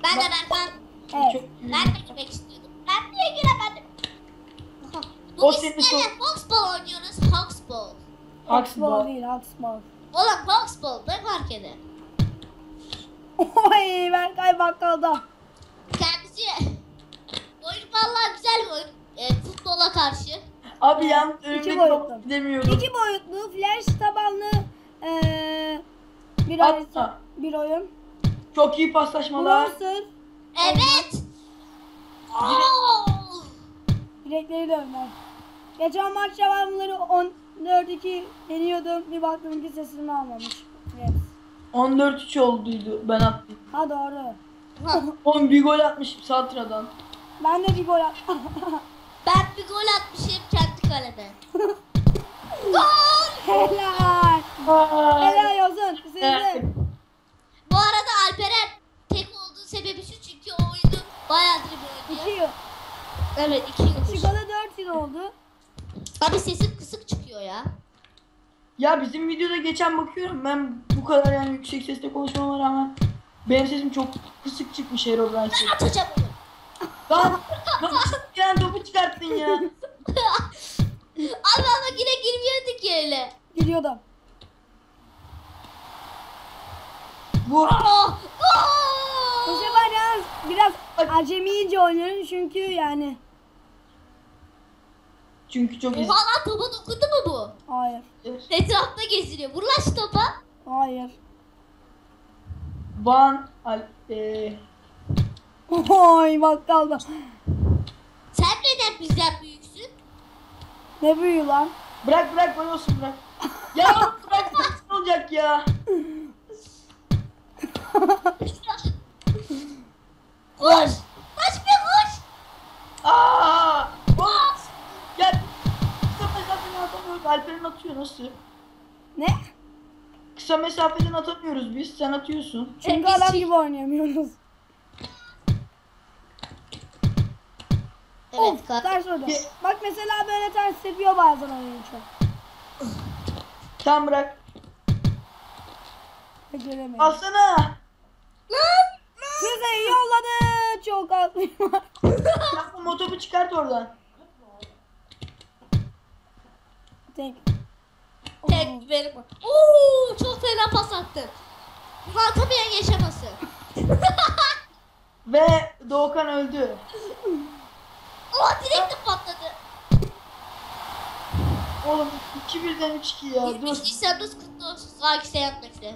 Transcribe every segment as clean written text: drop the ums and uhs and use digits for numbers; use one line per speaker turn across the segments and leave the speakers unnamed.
Ben de Berkan.
Evet.
Ben de girmek istiyordum. Ben niye giremedim?
O
Bugün
senin
sizlerle Foxball oynuyoruz. Foxball.
Haksball.
değil, Haksball.
Oğlum Foxball ne fark eder?
Oy ben bakkalda.
Kendisi oyun vallahi güzel bir oyun. Futbola karşı.
Abi yan
İki
önümdeki
boyutlu.
topu gidemiyorum.
2 boyutlu flash tabanlı bir harita, bir oyun.
Çok iyi paslaşmalar.
Browser
Evet. Oo!
direkleri dönmem. Geçen maç devamları 14-2 yeniyordum. Bir baktım ki sesini almamış. Evet.
14-3 olduydu ben attım.
Ha doğru.
Oğlum bir gol atmışım Satra'dan.
Ben de bir gol attım.
Ben bir gol atmışım kendi kaleme. Gol!
Helal. Helal olsun. Size.
Bu arada Alperen tek olduğu sebebi şu çünkü o oyunu bayağıdır bir
2
oynuyor.
yıl.
Evet 2 yıldır.
Çıkalı 4 yıl oldu.
Abi sesim kısık çıkıyor ya.
Ya bizim videoda geçen bakıyorum ben bu kadar yani yüksek sesle konuşmama rağmen benim sesim çok kısık çıkmış Herobrine.
Ben atacağım onu.
Lan yani topu çıkarttın ya.
Abi ama yine girmiyorduk ki öyle.
Gidiyordum.
Bu
Oh!
Bu
Gol!
sefer yalnız biraz acemice oynuyorum çünkü yani.
çünkü çok
Oha lan topa dokundu mu bu?
Hayır.
Etrafta geziniyor. Vur lan şu topa.
Hayır.
Van
Oy bakkalda.
Sen neden bizden büyüksün?
Ne büyüğü lan?
bırak gol olsun bırak. Ya bırak ne olacak ya.
Koş! Kaç bir koş!
Aa! Bas! Ya kısa mesafeden atamıyoruz. Alper'in atıyor nasıl?
Ne?
Kısa mesafeden atamıyoruz biz. Sen atıyorsun.
Çünkü
biz
adam
şey-
gibi oynayamıyoruz.
Evet
Of
kanka.
ters oldu. Bak mesela böyle ters yapıyor bazen oyunu çok.
Tamam bırak.
Göremedim.
Alsana.
Size yolladı. Çok az.
Yapma motobu çıkart oradan.
Tek.
Tek benim. Oo, çok fena pas attım. Bunu atamayan yaşaması.
Ve Doğukan öldü.
Oo direkt de patladı.
Oğlum 2-1'den 3-2 ya.
23
Dur.
Nisan'ınız kutlu olsun. Sağ seyahatlikle.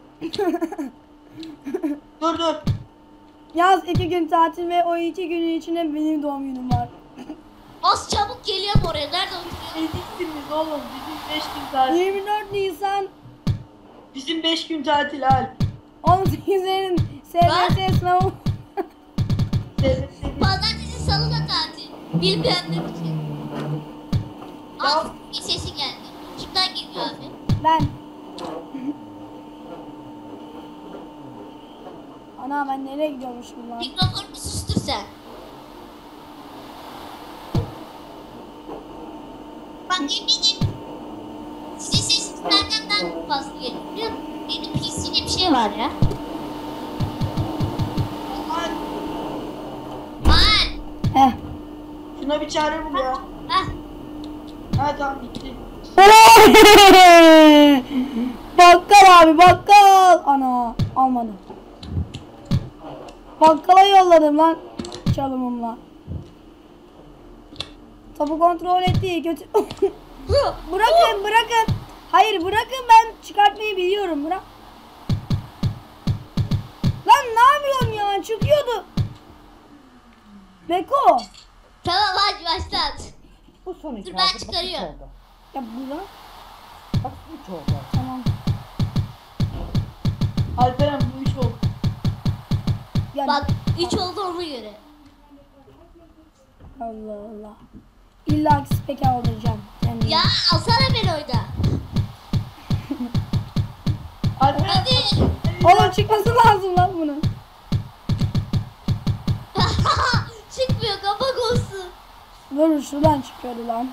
Dur.
Yaz 2 gün tatil ve o 2 günün içinde benim doğum günüm var.
Az çabuk geliyorum oraya. Nerede oturuyorsun?
Eziksiniz oğlum. Bizim 5 gün tatil.
24 Nisan
Bizim 5 gün tatil Alp.
18'lerin SBS sınavı.
Pazartesi salı da tatil. Bilmeyenler için. Az bir sesi geldi. Kimden geliyor abi?
Ben. Ana ben nereye gidiyormuşum lan?
Mikrofonunu sustur sen. Bak eminim sizin sesiniz benden daha fazla geliyor biliyor musun? Benim PC'de bir şey var ya.
Alp,
Var.
Heh.
şuna bir çare bul ya.
Heh.
Ha tamam bitti.
Bakkal abi bakkal. Ana almadım. Bakkala yolladım lan çalımımla. Topu kontrol etti kötü. Bırakın. Hayır bırakın ben çıkartmayı biliyorum bırak. Lan ne yapıyorsun ya çıkıyordu. Beko.
Tamam hadi başlat.
Bu son iki
Dur,
oldu.
ben
Bak, üç
çıkarıyorum.
oldu.
Ya bu lan.
Bak 3 oldu.
Tamam.
Alperen bu 3 oldu.
Yani,
Bak 3 oldu ona göre.
Allah Allah. İlla ki spek aldıracağım. Kendime.
Ya alsana beni oyda.
Alperen
Hadi.
Oğlum çıkması lazım lan bunun.
Çıkmıyor kapak olsun.
Dur şuradan çıkıyordu lan.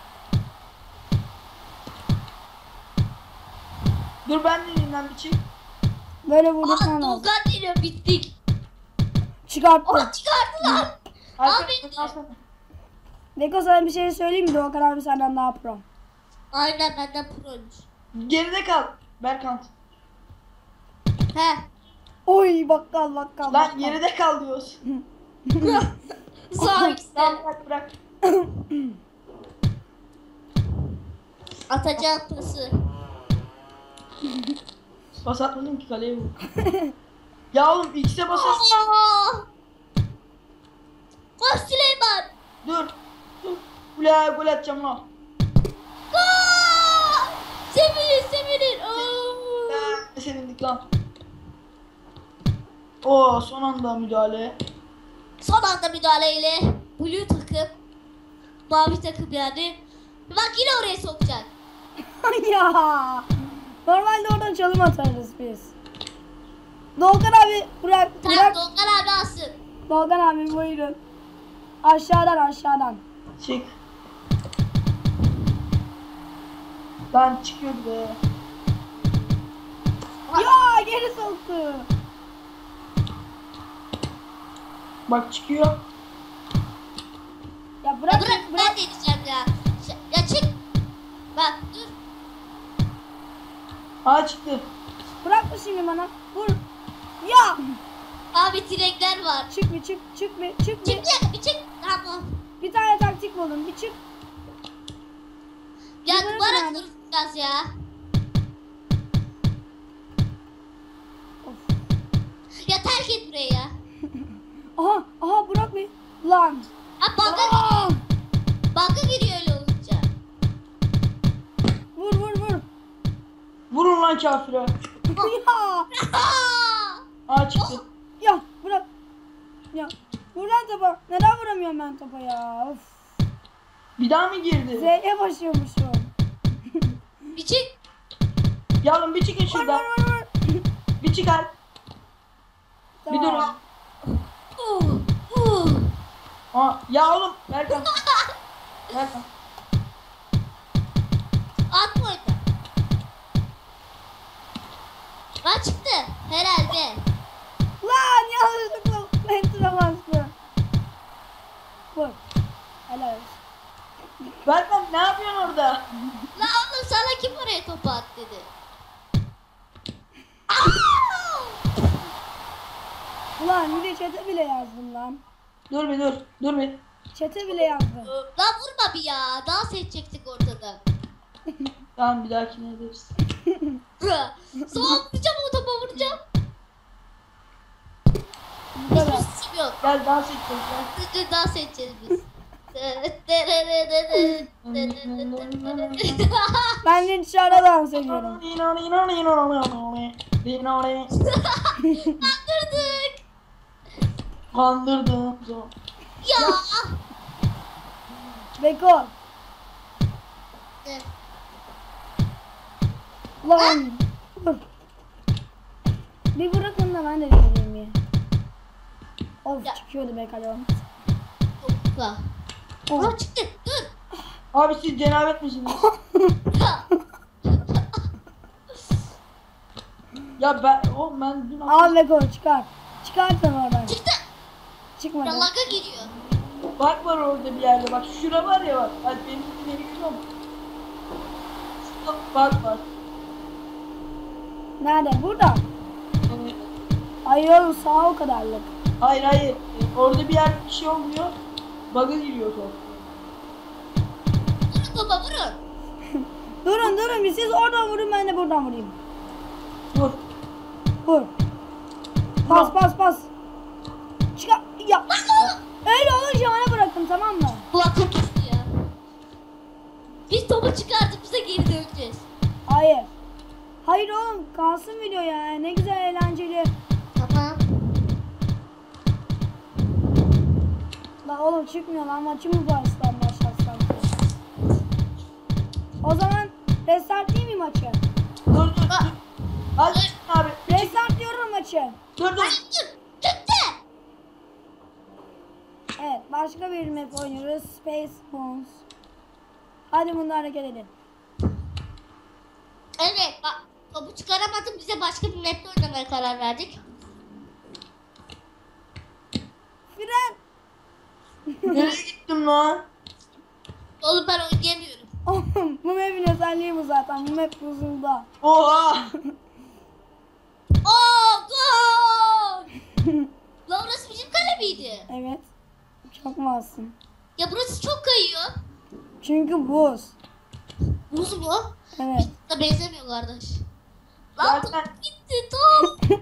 dur ben de elinden bir çek.
Böyle vurdurman lazım.
Doğukan geliyor, bittik.
Çıkarttı.
Çıkardılar.
Arkadaşlar
Beko sana bir şey söyleyeyim mi? Doğukan abi senden daha pro.
Aynen, benden proymuş.
geride kal. Berkant.
He.
Oy bakkal.
Lan geride kal diyoruz.
Sağ işte.
Tamam bırak.
Atacağım pası.
Pas atmadım ki kaleye vur. Ya oğlum X'e basas.
Koş Süleyman.
Dur. Ula gol atacağım lan.
Gol! Sevinin. Oo.
Ne sevindik lan. Oo son anda müdahale.
Son anda müdahaleyle blue takım, mavi takım yani. Bak yine oraya sokacak.
Ya. Normalde oradan çalım atarız biz. Doğukan abi bırak.
Tamam, Doğukan abi alsın.
Doğukan abi buyurun. Aşağıdan.
Çık. Lan çıkıyordu be.
Ya geri soktu.
Bak çıkıyor.
Ya
Ya
bırak.
bırak, ben de diyeceğim ya. Ya çık. Bak dur.
Aa çıktı.
Bırakma şimdi bana. Vur. Ya.
Abi direkler var.
Çık bir.
Çık bir çık. Tamam.
Bir tane taktik buldum. Bir çık.
Ya
Bırak
duvara
abi.
duracağız ya.
Of.
Ya terk et burayı ya.
Aha bırak bir. Lan.
Ha bug'a
Aa!
giriyor. Bug'a giriyor öyle olunca.
Vur.
Vurun lan kafire.
Ya.
Aa çıktı.
Ya bırak. Ya. Vur lan topa. Neden vuramıyorum ben topa ya? Of.
Bir daha mı girdi?
Z'ye basıyormuşum.
Bir çık.
Ya oğlum bir çıkın
Vur.
şuradan. Bir çıkar. Bir dur.
Tamam.
Aa, ya oğlum Berkan. Berkan.
Atma orada. Ha çıktı. Herhalde.
Lan yanlışlıkla enter'a bastı. Vur. Helal olsun.
Berkan ne yapıyorsun orada?
La oğlum sana kim oraya topu at dedi. Aa!
Ulan bir de çete bile yazdım lan.
Dur bir dur. Dur bir.
Çete bile yazdım.
Lan vurma bir ya. Dans edecektik ortada.
Tamam bir dahakine ederiz.
Sonra vuracağım, o topa vuracağım.
Bu kadar.
Hiçbir sesim yok.
Gel dans edeceğiz gel.
Dur dans edeceğiz biz.
Ben de dışarıda dans ediyorum.
Kandırdık.
Kandırdım.
Ya.
Beko. Lan. Vur. Bir bırakın da ben de deneyeyim ya. Of
Ya.
çıkıyordu be kalem.
Topa.
Of.
Aa çıktı. Dur.
Abi siz cenabet misiniz?
Ya.
Ya ben dün
Al Beko çıkar. Çıkartın oradan.
Çıktı.
Çıkmadı.
Ya laga gidiyor.
bak var orada bir yerde bak şura var ya bak. Hadi benim ileri gidiyor mu? Şurada bak var.
Nerede? Burada.
Evet.
Ay oğlum sağ o kadarlık.
Hayır. Orada bir yerde bir şey oluyor. Bug'a giriyor top.
Vurun topa vurun.
Durun bir siz oradan vurun ben de buradan vurayım.
Dur.
Vur. Pas. Çıkar. Ya. Öyle olunca bana bırakın tamam mı?
Kulaklık düştü ya. Biz topu çıkartıp bize geri döneceğiz.
Hayır. Hayır oğlum kalsın video ya. Ne güzel eğlenceli.
Tamam.
La oğlum çıkmıyor lan maçı mı baştan başlatsam? O zaman restart değil mi maçı?
Dur. Hadi abi.
Restart diyorum maçı.
Dur.
Hayır. Çıktı.
Evet başka bir map oynuyoruz. Space Bones. Hadi bunu hareket edin.
Evet bak. Topu çıkaramadım, bize başka bir map'te oynamaya karar karar verdik?
Fren.
Nereye gittim lan?
Oğlum ben oynayamıyorum.
Bu map'in özelliği bu zaten. Bu map buzulda.
Oha!
Oh gol! Lan burası bizim kale miydi?
Evet. Çok masum.
Ya burası çok kayıyor.
Çünkü buz.
Buz mu?
Evet.
Da benzemiyor kardeş. Lan
Zaten-
top gitti top.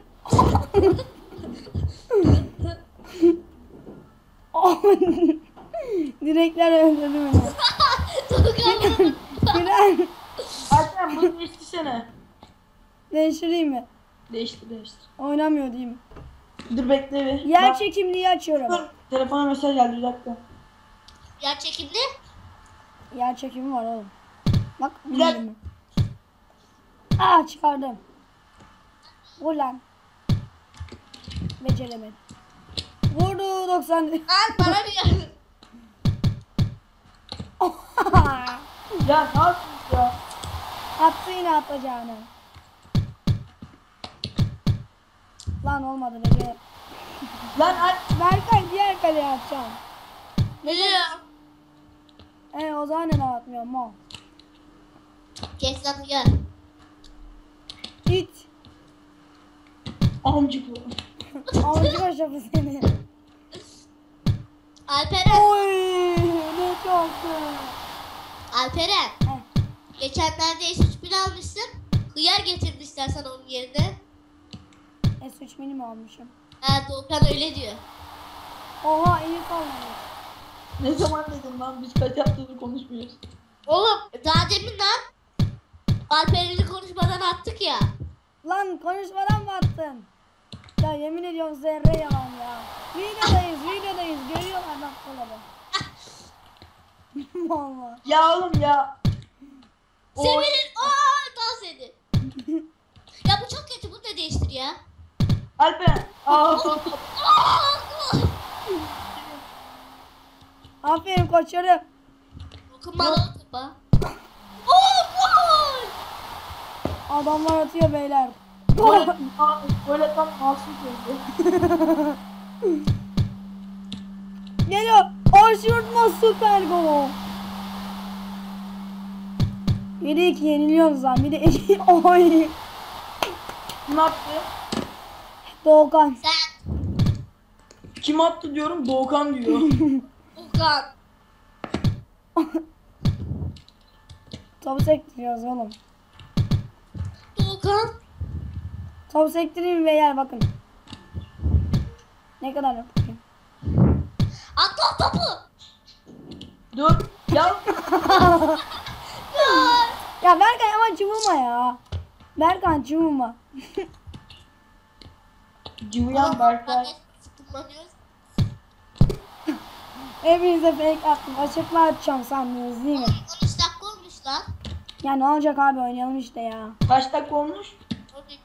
Direkler öldürdü beni.
Doğukan.
Fren.
Alperen bunu değiştirsene.
Değiştireyim mi?
Değiştir.
Oynamıyor değil mi?
Dur bekle bir.
Yer
Bak,
çekimliği açıyorum.
dur. Telefona mesaj geldi bir dakika.
Yer çekimli.
Yer çekimi var oğlum. Bak.
Bir dakika.
bilmiyorum. Aa çıkardım. Ulan. Beceremedim. Vurdu 90.
Lan bana bir yer.
Ya ne yapıyorsun ya?
Attı yine atacağını. Lan olmadı Bece.
Lan Alp.
Berkay diğer kaleye atacağım.
Ne?
O zaman neden atmıyorum o?
Kes lan gel.
İt.
Amcık bu.
Amcı aşafı seni.
Alperen.
Oy ne çoktu.
Alperen.
Heh.
Geçenlerde S3000 almışsın. Hıyar getirmişler sana onun yerine.
S3 mini mi almışım?
Ha Doğukan öyle diyor.
Oha iyi kalmadı.
Ne zaman dedim lan biz kaç haftadır konuşmuyoruz.
Oğlum daha demin lan Alperen'i konuşmadan attık ya.
Lan konuşmadan mı attın? Ya yemin ediyorum zerre yalan ya. Videodayız. Görüyorlar dakikaları. Valla.
Ya oğlum ya. O
Sevinir. Dans edin. Ya bu çok kötü. Bunu da değiştir ya.
Alperen. Aa.
Aferin koçlarım.
Dokunmalı oturma. Gol!
Adamlar atıyor beyler.
Böyle tam masum koydu.
Geliyor. Aşırtma süper gol. 7-2 yeniliyoruz lan. Bir de oy.
Ne yaptı?
Doğukan.
Sen
Kim attı diyorum Doğukan diyor.
Dokan.
Topu sektiriyoruz oğlum.
Dokan.
Topu sektireyim beyler bakın. Ne kadar yapayım.
Atla topu.
Dur. Ya.
Ya Berkay ama cıvıma ya. Berkay cıvıma.
Cıvıyan Berkay.
Kullanıyoruz.
Hepinize fake attım. Açıkla atacağım sandınız değil mi?
13 dakika olmuş lan.
Ya ne olacak abi oynayalım işte ya.
Kaç dakika olmuş?
13.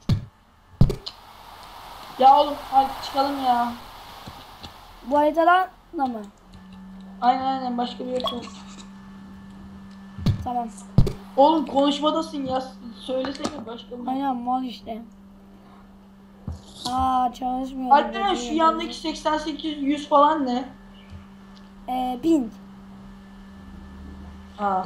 Ya oğlum hadi çıkalım ya.
Bu haritadan da mı?
Aynen başka bir yer yok.
Tamam.
Oğlum konuşmadasın ya. Söylesene başka bir yer.
Aynen mal işte. Aa çalışmıyor.
Alperen şu yandaki 88 100 falan ne?
Ping.
Aa.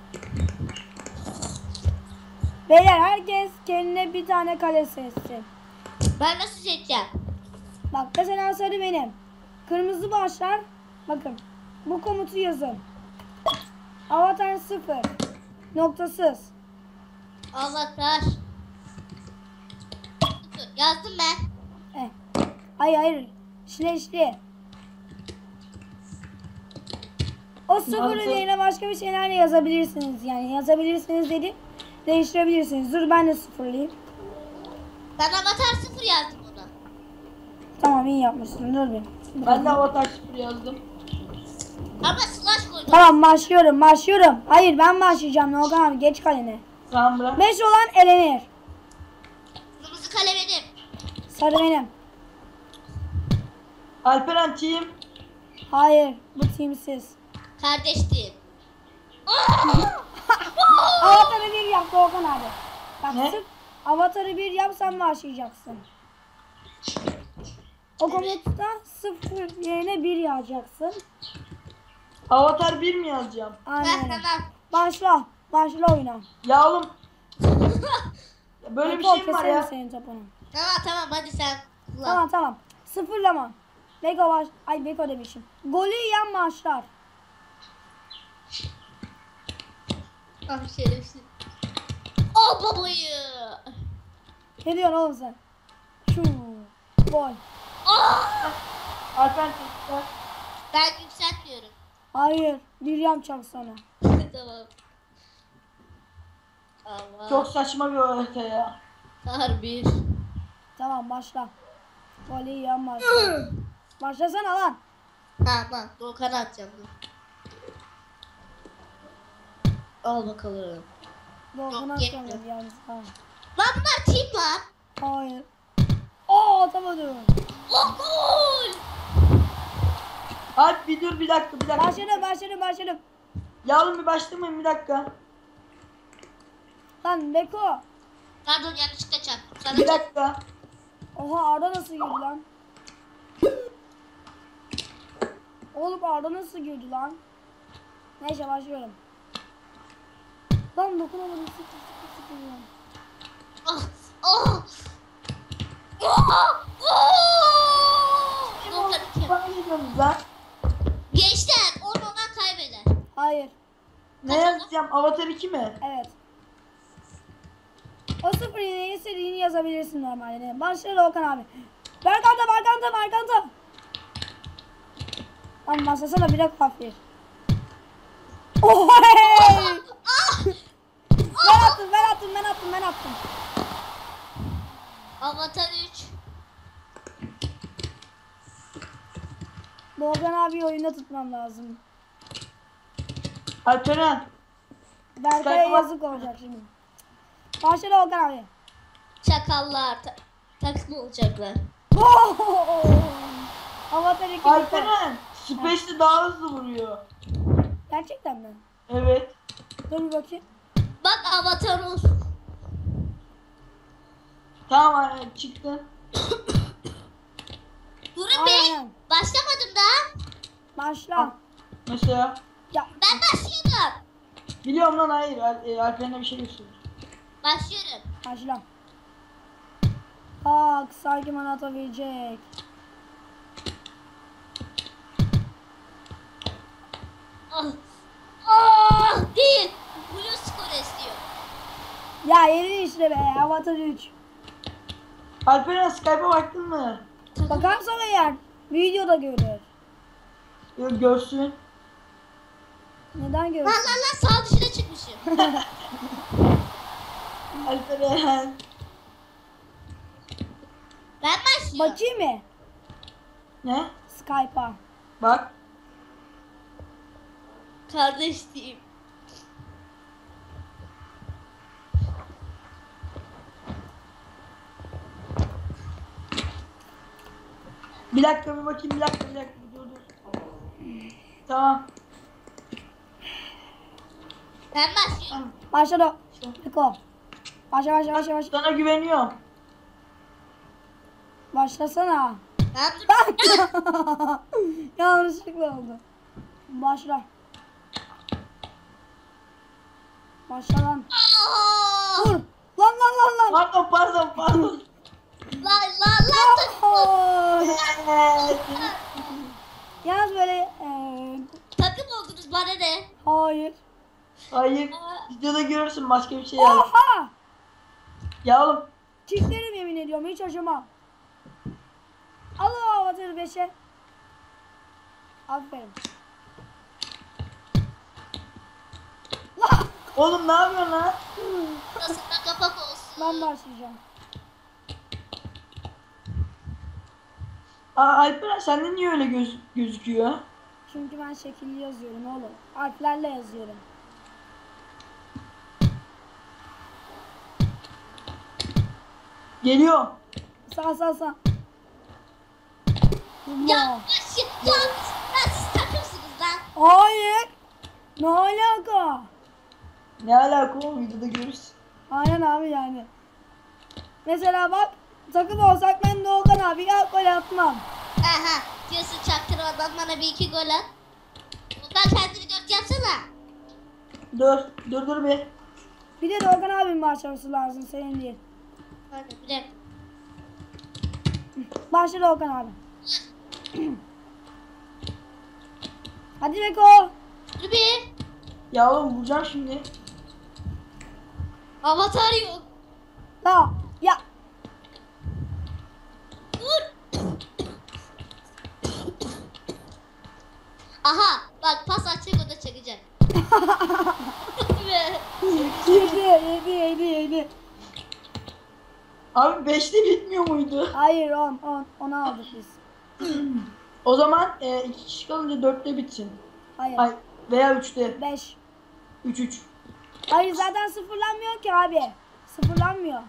Beyler herkes kendine bir tane kale seçsin.
Ben nasıl seçeceğim?
Bak mesela sarı benim. Kırmızı başlar. Bakın. Bu komutu yazın. Avatar 0. Noktasız.
Avatar. Yazdım ben.
Hayır. Şileşli. O sıfırın
Yazdım.
yerine başka bir şeyler de yazabilirsiniz. Yani yazabilirsiniz dedim. Değiştirebilirsiniz. Dur ben de sıfırlayayım.
Ben Avatar 0 yazdım ona.
Tamam iyi yapmışsın. Dur bir.
Ben de Avatar 0 yazdım.
Ama slash koydum.
Tamam başlıyorum. Hayır ben başlayacağım. Nogan abi geç kalene.
Tamam bırak.
5 olan elenir.
Kırmızı kale benim.
Sarı benim.
Alperen team.
Hayır bu teamsiz.
Kardeştim.
Avatar'ı bir yap Doğukan abi. Bak
Ne?
sırf Avatar'ı bir yap sen başlayacaksın. O komuta 0 yerine 1 yazacaksın.
Avatar 1 mi yazacağım?
Aynen.
Tamam.
Başla. Başla oyuna.
Ya oğlum. Ya böyle bir
Beko,
şey mi var
keserim
ya?
senin topunu.
Tamam hadi sen kullan.
Tamam. Sıfırlama. Beko baş... Ay Beko demişim. Golü yiyen başlar.
Ah şerefsiz. Oh babayı.
Ne diyorsun oğlum sen? Şu. Gol.
Ah!
Alper
Ben yükseltmiyorum.
Hayır. Bir yapacağım sana.
Tamam. Allah.
çok saçma bir harita ya.
Harbi.
Tamam başla. Golü yiyen başlar. Başlasana lan.
Tamam. Doğukan'a atacağım dur. Al bakalım.
Doğru
Yok,
atacağım
yetmiyor.
yalnız. Ha.
Lan bunlar team lan.
Hayır. Oo atamadım.
Oh gol.
Alp bir dur bir dakika.
Başladım.
Ya oğlum bir başlamayın bir dakika.
Lan Beko.
Pardon yanlışlıkla çarptım. Sana
Bir dakika.
Oha Arda nasıl girdi lan? Oğlum Arda nasıl girdi lan? Neyse başlıyorum. Lan dokunamadım. Sıkı lan.
Ah! Ah! Ah! Ah! Doğukan iki.
Bana geliyorsunuz lan.
Gençler 10 olan kaybeder.
Hayır.
Ne yazacağım? Avatar 2 mi?
Evet. O sıfır yine istediğini yazabilirsin normalde. Başla Okan abi. Berkanta. Lan masasana bir de kafir. Ohay!
Ah!
Ben attım.
Avatar 3.
Doğukan abi oyunda tutmam lazım.
Alperen.
Berkay'a
Sayfa-
yazık olacak şimdi. Başla Doğukan abi.
Çakallar takım olacaklar.
Avatar 2 bitti.
Alperen. Space'de daha hızlı vuruyor.
Gerçekten mi?
Evet.
Dur bir bakayım.
Bak avatar olsun.
Tamam çıktı.
Durun be.
Aynen.
Başlamadım daha.
Başla.
Mesela.
Ya
Ben başlıyorum.
Biliyorum lan hayır. Alperen'e bir şey gösteriyor.
Başlıyorum.
başla. Bak sanki bana atabilecek.
Ah. Ah değil. Blue skor istiyor.
Ya yeni işte be Avatar 3.
Alperen Skype'a baktın mı?
Bakarsan eğer videoda görür.
Yok görsün.
Neden görür?
Lan sağ dışına çıkmışım.
Alperen.
Ben başlıyorum.
Bakayım mı?
Ne?
Skype'a.
Bak.
Kardeş diyeyim.
Bir dakika bir bakayım bir dakika dur. Tamam.
Ben başlıyorum.
Başladı. Beko. Başla.
Sana güveniyorum.
Başlasana.
Ben dur.
Yanlışlıkla oldu. Başla. Başla lan.
Ah!
Dur. Lan.
Pardon.
Lan.
Oy. Yalnız böyle
Takım oldunuz bana ne?
hayır.
Hayır. Videoda görürsün başka bir şey yaz.
Oha!
Ya oğlum.
Çiftlerim yemin ediyorum hiç acımam. Al o Avatar'ı 5'e. Aferin. Lah!
Oğlum ne yapıyorsun lan?
Nasıl da kapak olsun.
Ben başlayacağım.
Alperen sende niye öyle gözüküyor?
Çünkü ben şekilli yazıyorum oğlum. Harflerle yazıyorum.
Geliyor.
Sağ.
Ya siz takımsınız lan.
Hayır. Ne alaka?
Ne alaka oğlum videoda görürsün.
Aynen abi yani. Mesela bak takım olsak ben Doğukan abi ya gol atmam.
Aha diyorsun çaktırmadan bana bir iki gol at. Ondan kendini dört yapsana.
Dur bir.
Bir de Doğukan abinin başlaması lazım senin değil.
Hadi bir dakika.
Başla Doğukan abi. Hadi Beko.
Dur bir.
Ya oğlum vuracağım şimdi.
Avatar yok.
La ya.
Dur. Aha bak pas atacak o da çakacak.
Yedi.
Abi 5'te bitmiyor muydu?
Hayır 10 aldık biz.
O zaman 2 kişi kalınca 4'te bitsin.
Hayır.
Ay, veya 3'te.
5.
3-3.
Hayır zaten sıfırlanmıyor ki abi. Sıfırlanmıyor.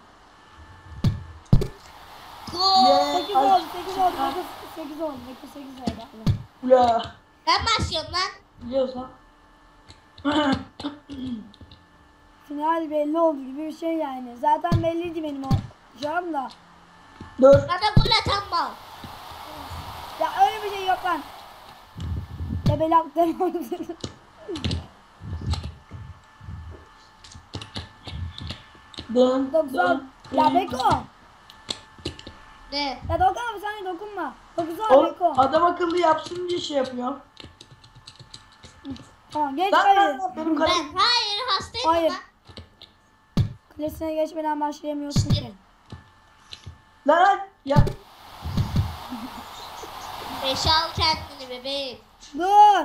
Gol.
8 oldu. 8 oldu. 8 oldu.
Ula.
Ben başlıyorum lan.
Biliyorsan.
Final belli oldu gibi bir şey yani. Zaten belliydi benim o canım da.
Dur.
Bana gol atan mal.
Ya öyle bir şey yok lan. Tebelaktan oldu.
Dön.
90. Ya Beko.
Ne?
Ya Doğukan abi sen de dokunma. 9
O
Beko.
adam akıllı yapsın diye şey yapıyorum.
Tamam geç
Lan
hayır.
benim kalem.
Ben hayır hastayım
Hayır.
ama.
Kalesine geçmeden başlayamıyorsun ki.
Lan ya.
5'e al kendini bebeğim.
Dur.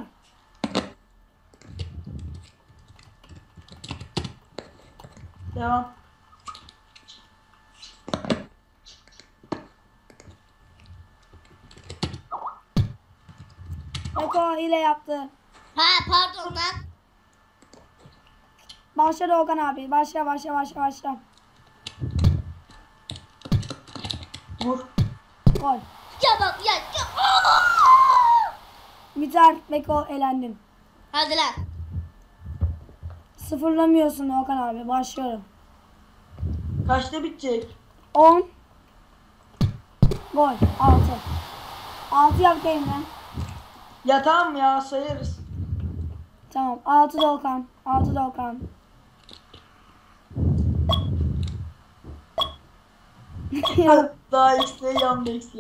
Devam.
Beko ile yaptı.
Ha pardon lan.
Başla Doğukan abi. Başla.
Vur.
Gol.
Ya bak ya.
Biter. Beko elendin.
Hadi lan.
Sıfırlamıyorsun Doğukan abi. Başlıyorum.
Kaçta bitecek?
10. Gol. 6. 6 yap lan.
Ya tamam ya sayarız.
Tamam. 6 Doğukan. 6 Doğukan.
Daha X'le yan X'le.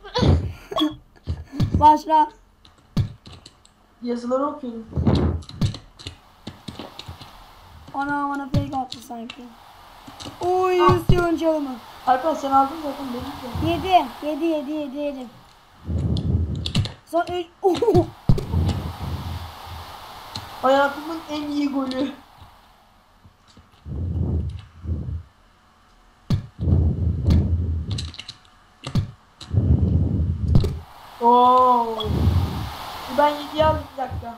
Başla.
Yazıları okuyorum.
Bana fake attı sanki. Oy Hüsnü çalımı.
Alper sen aldın zaten benim de.
7. Son 3.
Hayatımın en iyi golü. Oo. Ben 7'yi aldım bir dakika.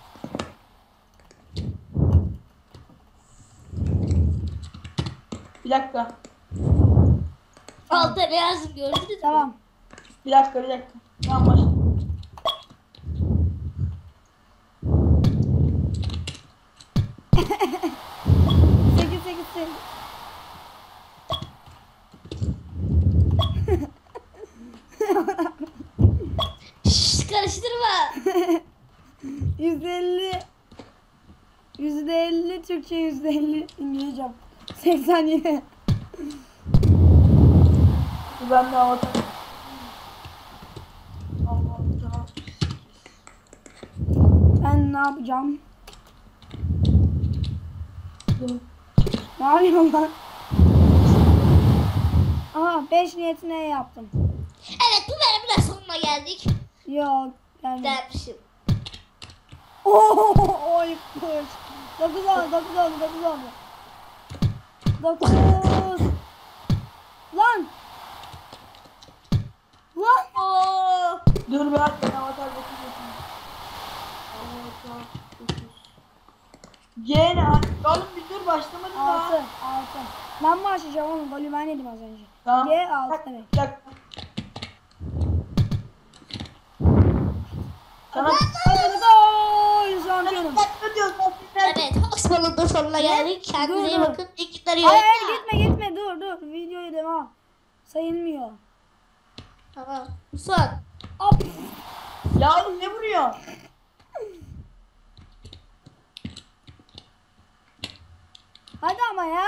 Bir dakika.
Altta ne yazdım gördünüz mü?
Tamam.
Bir dakika. Tamam başla.
Şşş karıştırma.
%50 Türkçe, %50 İngilizce. 87.
Ben de avatar. Allah tamam.
Ben ne yapacağım? Ne yapıyorum lan? Aha 5 niyetine yaptım.
Evet bu bölümün de sonuna geldik.
Yok yani.
Dermişim.
Oy kuş. 9 oldu. 9. Lan.
Oo.
Dur bir dakika avatar bakıyorsun. Avatar 9. Gene oğlum bir dur başlamadın
6.
daha.
Ben başlayacağım oğlum. Golü ben yedim az önce.
Tamam.
G 6 demek.
Bir dakika. Sana
Hadi gol şampiyonum.
ne diyorsun?
Evet Osman'ın da sonuna geldik. Kendinize iyi
Dur.
bakın. İyi günler.
Hayır gitme dur videoya devam. Sayılmıyor.
Tamam. Son.
Hop.
Ya oğlum ne vuruyor?
Hadi ama ya.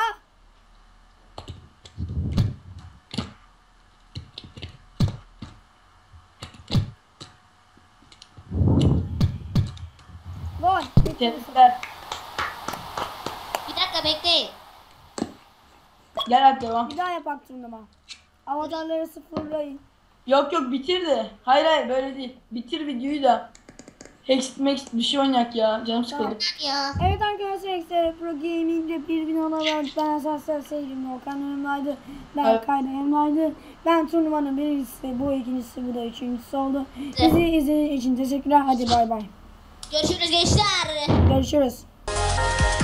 Gol. Bitti.
Tebrikler.
Bir dakika bekleyin.
Gel hadi devam.
Bir daha yapak turnuva. Avatarları sıfırlayın.
Yok yok bitir de. Hayır böyle değil. Bitir videoyu da. Hext Max bir şey oynayak ya. Canım sıkıldı.
Ya.
Evet arkadaşlar işte Pro Gaming'de bir bin olarak ben Asasya Seyircim Volkan yanımdaydı. Ben
Evet.
Kayda yanımdaydı. Ben turnuvanın birincisi, bu ikincisi, bu da üçüncüsü oldu. Bizi izlediğiniz için teşekkürler. Hadi bay bay.
Görüşürüz gençler.
Görüşürüz.